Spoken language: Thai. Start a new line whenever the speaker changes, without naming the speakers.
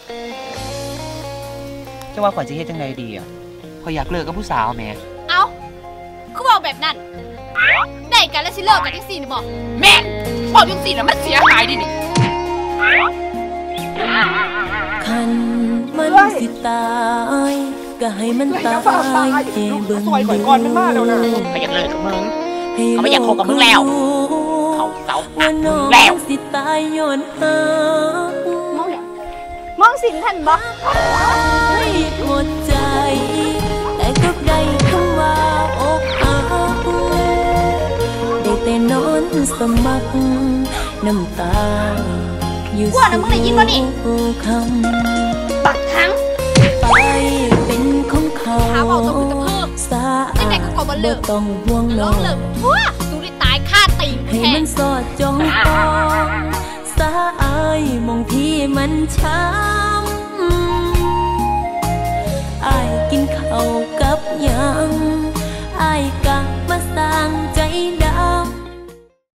จะว่าข่อยจะเฮ็ดจังไดดีอ่ะข่อยอยากเลิกกับผู้สาวแม่
เอาคือบอกแบบนั้นได้กันแล้วสิเลิกกันจังซี่นี่บอกแม่บอกจังซี่น่ะมันเสียหายดินี่
คันมันสิตายก็ให้มันตายเองเบิ่งดูเขาอยาก
เลิกกับมึงเขาไม่อยากคบกับมึงแล้วเขาเศร้าแล้ว
สิตายย้อนหาม
องสินท่านบ่
ให้หมดใจแต่ก็ได้คำว่าอกหักได้แต่นอนสมัครน้ำตาอยู่
ว่านะมึงได้ยินบ่นี่
คำ
ปักทั้ง
ไปเป็นของเขา
หาเว้าต้องคือตะเพิกจังได๋ก็บ่เลิก
ต้องห่วงน้อง
เลิกทั่วดูได้ตายคาตีน
ให้มันสอดจ้องปองสาอายมองที่มันช้ำอายกินข้าวกับยัง